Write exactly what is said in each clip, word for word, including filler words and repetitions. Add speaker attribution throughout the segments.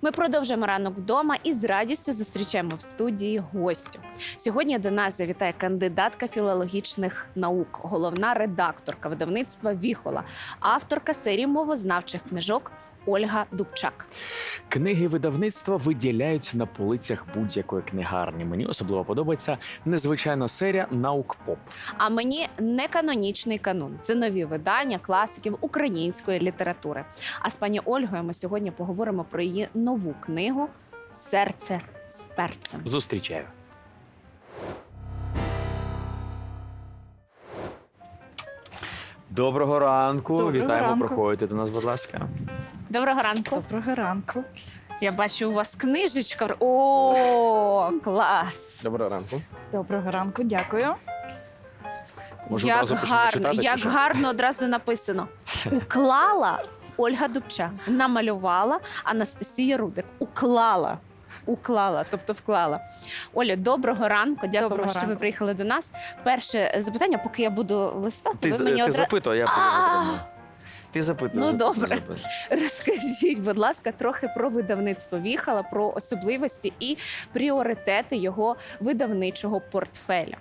Speaker 1: Ми продовжуємо ранок вдома і з радістю зустрічаємо в студії гостю. Сьогодні до нас завітає кандидатка філологічних наук, головна редакторка видавництва «Віхола», авторка серії мовознавчих книжок Ольга Дубчак.
Speaker 2: Книги видавництва виділяють на полицях будь-якої книгарні. Мені особливо подобається незвичайна серія «Наук-поп».
Speaker 1: А мені неканонічний канун. Це нові видання класиків української літератури. А з пані Ольгою ми сьогодні поговоримо про її нову книгу «Серце з перцем».
Speaker 2: Зустрічаю. Доброго ранку.
Speaker 3: Доброго
Speaker 2: Вітаємо,
Speaker 3: ранку.
Speaker 2: проходьте до нас, будь ласка.
Speaker 1: Доброго ранку.
Speaker 3: Доброго ранку.
Speaker 1: Я бачу, у вас книжечка. О, клас!
Speaker 2: Доброго ранку.
Speaker 3: Доброго ранку, дякую.
Speaker 2: Може,
Speaker 1: Як
Speaker 2: одразу почнемо
Speaker 1: гарно,
Speaker 2: читати,
Speaker 1: як
Speaker 2: чи що?
Speaker 1: гарно одразу написано. Уклала Ольга Дубчак, намалювала Анастасія Рудик. Уклала. Уклала, тобто вклала. Оля, доброго ранку. Дякуємо,
Speaker 3: Доброго
Speaker 1: що ви
Speaker 3: ранку.
Speaker 1: приїхали до нас. Перше запитання, поки я буду листати,
Speaker 2: Ти,
Speaker 1: ви
Speaker 2: з-
Speaker 1: мені
Speaker 2: ти
Speaker 1: одразу...
Speaker 2: запитуй, а я
Speaker 1: А!
Speaker 2: подумаю. Ти запитуй.
Speaker 1: Ну,
Speaker 2: запитуй,
Speaker 1: добре.
Speaker 2: запитуй.
Speaker 1: Розкажіть, будь ласка, трохи про видавництво «Віхола», про особливості і пріоритети його видавничого портфеля.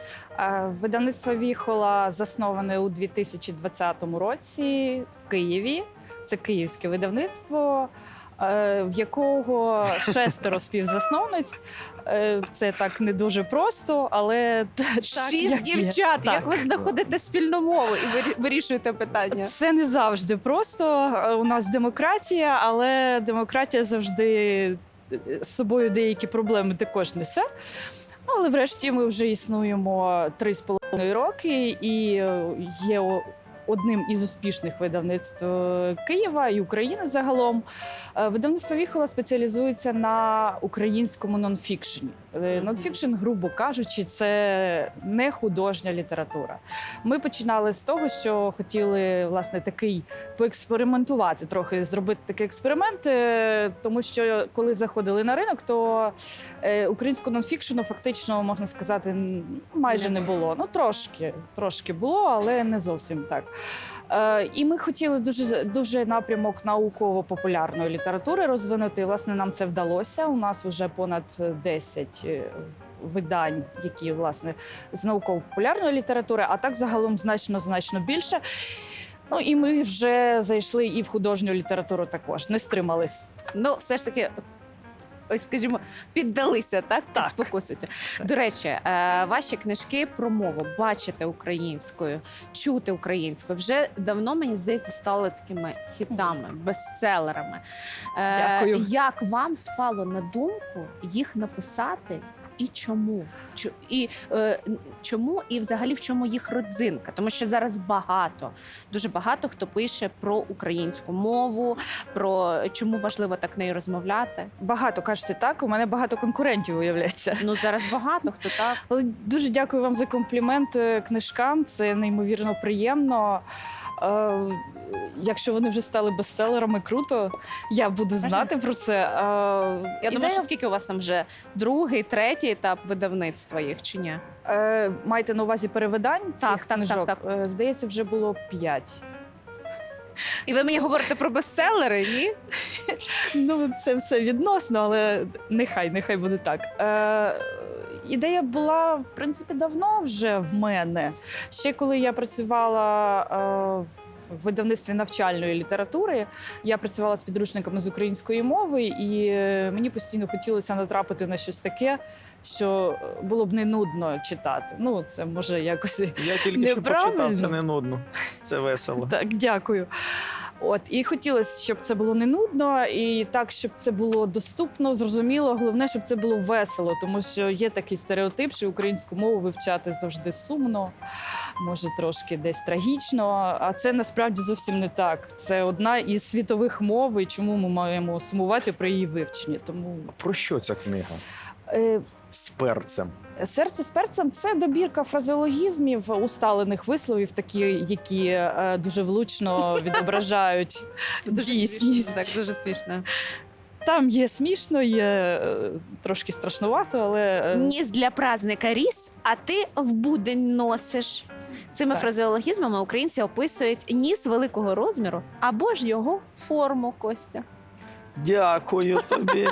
Speaker 3: Е, Видавництво «Віхола» засноване у дві тисячі двадцятому році в Києві. Це київське видавництво, е, в якого шестеро співзасновниць. Е, Це так не дуже просто, але т- так,
Speaker 1: Шість
Speaker 3: як є.
Speaker 1: дівчат.
Speaker 3: Так.
Speaker 1: Як ви знаходите спільну мову і вирі- вирішуєте питання?
Speaker 3: Це не завжди просто. Е, У нас демократія, але демократія завжди е, з собою деякі проблеми також несе. Ну, але врешті ми вже існуємо три з половиною роки і е, є о- одним із успішних видавництв е, Києва і України загалом. Е, Видавництво «Віхола» спеціалізується на українському нонфікшені. Е,
Speaker 1: Мгм.
Speaker 3: Нонфікшн, грубо кажучи, це не художня література. Ми починали з того, що хотіли власне такий поекспериментувати, трохи зробити такий експеримент, е, тому що коли заходили на ринок, то е, українського нонфікшену фактично, можна сказати, н- майже не було. Ну трошки, трошки було, але не зовсім так. Е, І ми хотіли дуже дуже напрямок науково-популярної літератури розвинути. І, власне, нам це вдалося. У нас вже понад десять е, видань, які власне з науково-популярної літератури, а так загалом значно значно більше. Ну і ми вже зайшли і в художню літературу також, не стримались.
Speaker 1: Ну, все ж таки, ось, скажімо, піддалися, так?
Speaker 3: Так.
Speaker 1: Під спокусу цю.
Speaker 3: Так.
Speaker 1: До речі, е, ваші книжки про мову, бачити українською, чути українською, вже давно, мені здається, стали такими хітами, бестселерами. Е,
Speaker 3: Дякую.
Speaker 1: Як вам спало на думку їх написати? І чому? Чо- І е, н- чому і взагалі в чому їх родзинка? Тому що зараз багато, дуже багато хто пише про українську мову, про чому важливо так нею розмовляти.
Speaker 3: Багато кажете так. У мене багато конкурентів виявляється.
Speaker 1: Ну зараз багато хто так.
Speaker 3: Але дуже дякую вам за комплімент е, книжкам. Це неймовірно приємно. Е, Якщо вони вже стали бестселерами, круто. Я буду знати про це. Е,
Speaker 1: Я думаю,
Speaker 3: ідея-
Speaker 1: що скільки у вас там вже другий, третій етап видавництва їх чи ні?
Speaker 3: Е, маєте на увазі перевидань цих
Speaker 1: Так, так,
Speaker 3: книжок?
Speaker 1: так,
Speaker 3: Е, Здається, вже було п'ять.
Speaker 1: І ви мені говорите про бестселери, ні?
Speaker 3: Ну, це все відносно, але нехай, нехай буде так. Е, ідея була, в принципі, давно вже в мене. Ще коли я працювала е, в видавництві навчальної літератури, я працювала з підручниками з української мови, і е, мені постійно хотілося натрапити на щось таке, що було б не нудно читати. Ну, це може якось.
Speaker 2: Я тільки що
Speaker 3: Неправильно.
Speaker 2: почитав, це не нудно. Це весело.
Speaker 3: Так, дякую. От і хотілося, щоб це було не нудно, і так, щоб це було доступно, зрозуміло. Головне, щоб це було весело, тому що є такий стереотип, що українську мову вивчати завжди сумно, може трошки десь трагічно. А це насправді зовсім не так. Це одна із світових мов, і чому ми маємо сумувати при її вивченні. Тому
Speaker 2: Про що ця книга?
Speaker 3: е,
Speaker 2: З перцем.
Speaker 3: серце з перцем це добірка фразеологізмів, усталених висловів, такі, які е, дуже влучно відображають
Speaker 1: Це дуже
Speaker 3: дійсність.
Speaker 1: смішно, так, дуже смішно.
Speaker 3: Там є смішно, є е, трошки страшнувато, але е,
Speaker 1: Ніс для праздника ріс, а ти в будень носиш. Цими
Speaker 3: Так.
Speaker 1: фразеологізмами українці описують ніс великого розміру або ж його форму, Костя.
Speaker 2: Дякую тобі.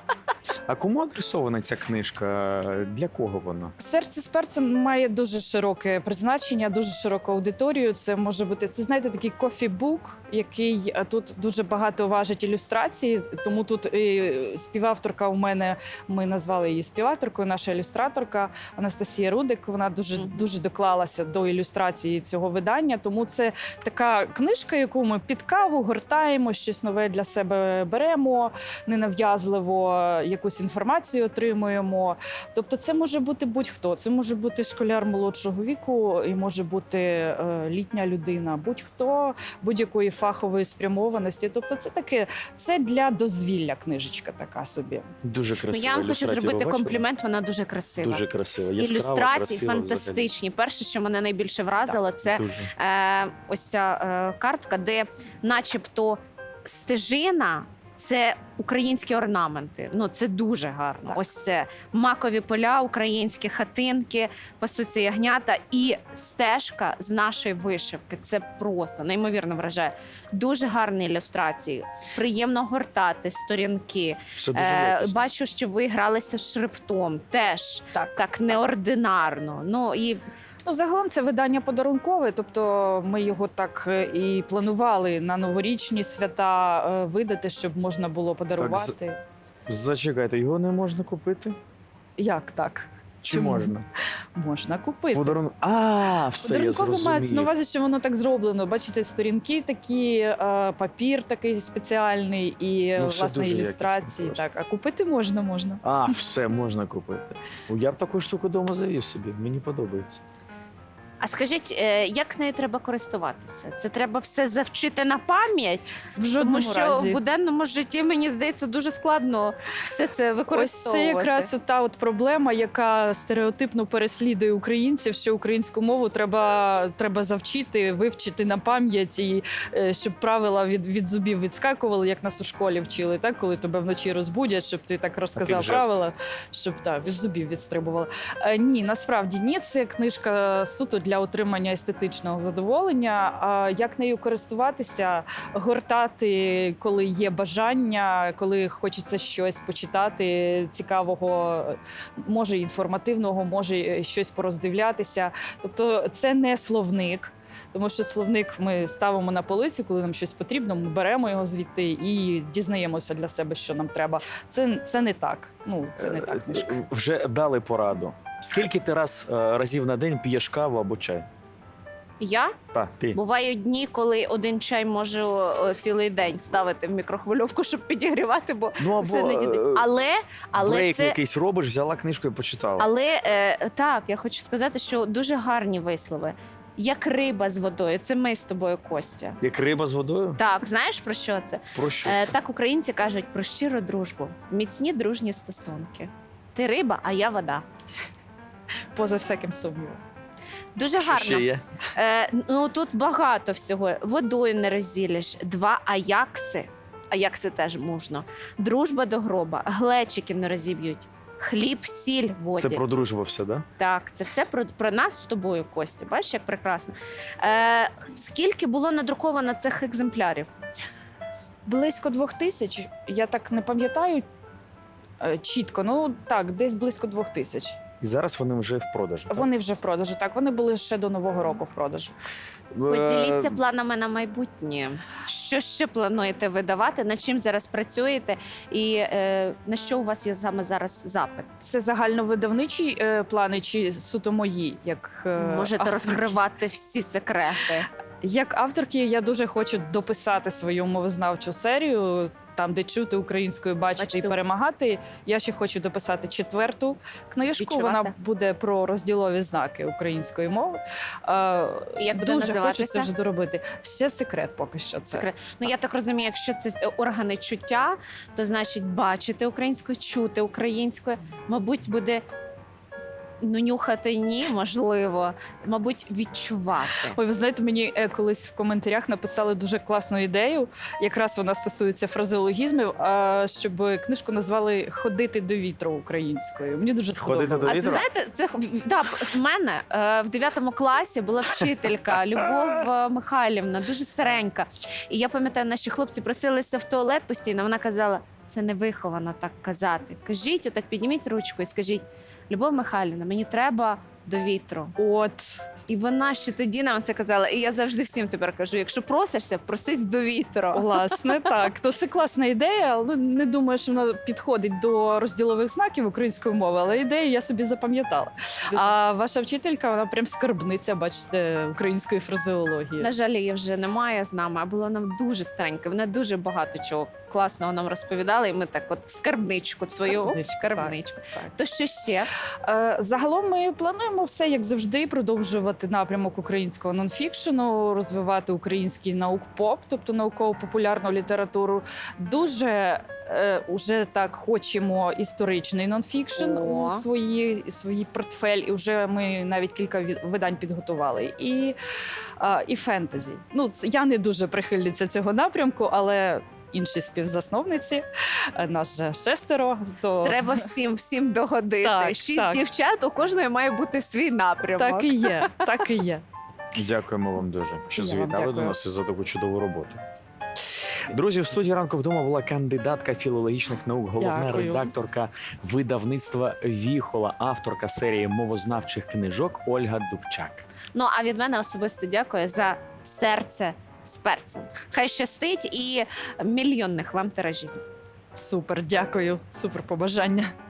Speaker 2: А кому адресована ця книжка? Для кого вона?
Speaker 3: Серце з перцем має дуже широке призначення, дуже широку аудиторію. Це може бути, це знаєте, такий кофі-бук, який а, тут дуже багато важить ілюстрації. Тому тут і співавторка у мене, ми назвали її співавторкою, наша ілюстраторка Анастасія Рудик. Вона дуже
Speaker 1: Мгм.
Speaker 3: дуже доклалася до ілюстрації цього видання. Тому це така книжка, яку ми під каву гортаємо, щось нове для себе беремо, ненав'язливо якусь інформацію отримуємо. Тобто, це може бути будь-хто. Це може бути школяр молодшого віку, і може бути е, літня людина, будь-хто будь-якої фахової спрямованості. Тобто, це таке, це для дозвілля книжечка така собі.
Speaker 2: Дуже
Speaker 1: Ну,
Speaker 2: красива.
Speaker 1: я вам хочу
Speaker 2: ілюстрація.
Speaker 1: зробити
Speaker 2: Ви бачили?
Speaker 1: комплімент, вона дуже красива.
Speaker 2: Дуже красива. Яскрава,
Speaker 1: Ілюстрації
Speaker 2: красива
Speaker 1: фантастичні. Перше, що мене найбільше вразило, це
Speaker 2: взагалі. Дуже.
Speaker 1: е, ось ця е, картка, де начебто стежина. Це українські орнаменти. Ну це дуже гарно.
Speaker 3: Так.
Speaker 1: Ось це макові поля, українські хатинки, пасуться ягнята і стежка з нашої вишивки. Це просто неймовірно вражає. Дуже гарні ілюстрації. Приємно гортати сторінки.
Speaker 2: Все дуже
Speaker 1: Е,
Speaker 2: якісно.
Speaker 1: бачу, що ви гралися шрифтом. Теж
Speaker 3: Так.
Speaker 1: так неординарно. Ну і
Speaker 3: Ну, загалом це видання подарункове, тобто ми його так е, і планували на новорічні свята е, видати, щоб можна було подарувати.
Speaker 2: Зачекайте, його не можна купити?
Speaker 3: Як так?
Speaker 2: Чи
Speaker 3: Чому?
Speaker 2: можна?
Speaker 3: Можна купити.
Speaker 2: Подарунок. А, все, я
Speaker 3: Подарунково мається на
Speaker 2: зрозумів.
Speaker 3: увазі, що воно так зроблено. Бачите, сторінки такі, е, папір такий спеціальний і
Speaker 2: Ну, все
Speaker 3: власне
Speaker 2: дуже
Speaker 3: ілюстрації.
Speaker 2: якісно
Speaker 3: Так, а купити можна, можна.
Speaker 2: А, все, можна купити. О, я б таку штуку вдома завів собі, мені подобається.
Speaker 1: а скажіть, е, як нею треба користуватися? Це треба все завчити на пам'ять,
Speaker 3: В
Speaker 1: тому
Speaker 3: жодному
Speaker 1: що
Speaker 3: разі.
Speaker 1: в буденному житті мені здається дуже складно все це
Speaker 3: Ось
Speaker 1: використовувати.
Speaker 3: це якраз та от проблема, яка стереотипно переслідує українців, що українську мову треба, треба завчити, вивчити на пам'ять, і е, щоб правила від, від зубів відскакували, як нас у школі вчили, так? Коли тебе вночі розбудять, щоб ти так розказав
Speaker 2: вже.
Speaker 3: правила, щоб так, від зубів відстрибували. Е, ні, насправді ні, це книжка суто для отримання естетичного задоволення. А як нею користуватися, гортати, коли є бажання, коли хочеться щось почитати цікавого, може інформативного, може щось пороздивлятися. Тобто це не словник. Тому що словник ми ставимо на полиці, коли нам щось потрібно, ми беремо його звідти і дізнаємося для себе, що нам треба. Це, це не так. Ну, це не так книжка.
Speaker 2: Е, Вже дали пораду. Скільки ти раз, е, разів на день п'єш каву або чай?
Speaker 1: Я
Speaker 2: Так, ти.
Speaker 1: бувають дні, коли один чай можу е, цілий день ставити в мікрохвильовку, щоб підігрівати, бо
Speaker 2: Ну
Speaker 1: все не діде.
Speaker 2: е,
Speaker 1: Але, але
Speaker 2: брейк
Speaker 1: це
Speaker 2: якийсь робиш, взяла книжку і почитала.
Speaker 1: Але е, так, я хочу сказати, що дуже гарні вислови. Як риба з водою. Це ми з тобою, Костя.
Speaker 2: Як риба з водою?
Speaker 1: Так, знаєш про що це?
Speaker 2: Про що?
Speaker 1: Е, так українці кажуть про щиру дружбу, міцні дружні стосунки. Ти риба, а я вода.
Speaker 3: Поза всяким сумнівом.
Speaker 1: Дуже
Speaker 2: Що
Speaker 1: гарно.
Speaker 2: ще є?
Speaker 1: Е, ну тут багато всього. Водою не розділиш. Два аякси. Аякси теж можна. Дружба до гроба. Глечики не розіб'ють. Хліб, сіль в воді.
Speaker 2: Це про дружбу все, да?
Speaker 1: Так, це все про, про нас з тобою, Костя. Бачиш, як прекрасно. Е, скільки було надруковано цих екземплярів?
Speaker 3: Близько двох тисяч. Я так не пам'ятаю е, чітко. Ну так, десь близько двох тисяч.
Speaker 2: І зараз вони вже в продажі. так?
Speaker 3: Вони вже в продажу. Так, вони були ще до Нового року в продажу.
Speaker 1: Поділіться
Speaker 2: Е,
Speaker 1: планами на майбутнє. Що ще плануєте видавати? Над чим зараз працюєте? І е, на що у вас є саме зараз запит?
Speaker 3: Це загальновидавничі е, плани чи суто мої? Як е,
Speaker 1: Можете
Speaker 3: авторки?
Speaker 1: розкривати всі секрети.
Speaker 3: Як авторки, я дуже хочу дописати свою мовознавчу серію. Там, де чути українською, бачити
Speaker 1: Бачите.
Speaker 3: і перемагати. Я ще хочу дописати четверту книжку.
Speaker 1: Відчувати.
Speaker 3: Вона буде про розділові знаки української мови. Е,
Speaker 1: І як буде
Speaker 3: дуже
Speaker 1: називатися?
Speaker 3: хочу це вже доробити. Ще секрет поки що. Це.
Speaker 1: Секрет. Ну я так розумію, якщо це органи чуття, то значить бачити українською, чути українською, мабуть, буде Ну, нюхати ні, можливо, мабуть, відчувати.
Speaker 3: Ой, ви знаєте, мені е, колись в коментарях написали дуже класну ідею. Якраз вона стосується фразеологізмів, а, щоб книжку назвали Ходити до вітру українською. Мені дуже
Speaker 2: «Ходити до
Speaker 3: сподобалось.
Speaker 1: А
Speaker 2: вітру»?
Speaker 1: знаєте, це да, в мене е, в дев'ятому класі була вчителька Любов е, Михайлівна, дуже старенька. І я пам'ятаю, наші хлопці просилися в туалет постійно. Вона казала: це невиховано так казати. Кажіть, отак підніміть ручку і скажіть: Любов Михайлівна, мені треба до вітру.
Speaker 3: От.
Speaker 1: І вона ще тоді нам це казала. І я завжди всім тепер кажу: якщо просишся, просись до вітру.
Speaker 3: Власне, так. То це класна ідея. але, Ну, не думаю, що вона підходить до розділових знаків української мови, але ідею я собі запам'ятала.
Speaker 1: Дуже.
Speaker 3: А ваша вчителька, вона прям скарбниця, бачите, української фразеології.
Speaker 1: На жаль, її вже немає з нами, а була нам дуже старенька. Вона дуже багато чого класного нам розповідала, і ми так от в скарбничку свою оп,
Speaker 3: Скарбничку,
Speaker 1: скарбничку.
Speaker 3: так.
Speaker 1: То що ще?
Speaker 3: Е, Загалом ми плануємо все, як завжди, продовжувати напрямок українського нонфікшену, розвивати український наук-поп, тобто науково-популярну літературу. Дуже е, уже так хочемо історичний нонфікшн
Speaker 1: О.
Speaker 3: у свої, свої портфель, і вже ми навіть кілька ві- видань підготували. І, е, і фентезі. Ну, це, я не дуже прихильниця цього напрямку, але інші співзасновниці, е, нас же шестеро, то
Speaker 1: Треба всім всім догодити.
Speaker 3: Так,
Speaker 1: Шість
Speaker 3: так.
Speaker 1: дівчат, у кожної має бути свій напрямок.
Speaker 3: так і є, так і є.
Speaker 2: Дякуємо вам дуже, що
Speaker 3: Я вам
Speaker 2: завітали до
Speaker 3: дякую.
Speaker 2: нас і за таку чудову роботу. Друзі, в студії ранку вдома була кандидатка філологічних наук, головна
Speaker 3: Дякую.
Speaker 2: редакторка видавництва Віхола, авторка серії мовознавчих книжок Ольга Дубчак.
Speaker 1: Ну а від мене особисто дякую за серце з перцем. Хай щастить і мільйонних вам тиражів.
Speaker 3: Супер, дякую. Супер побажання.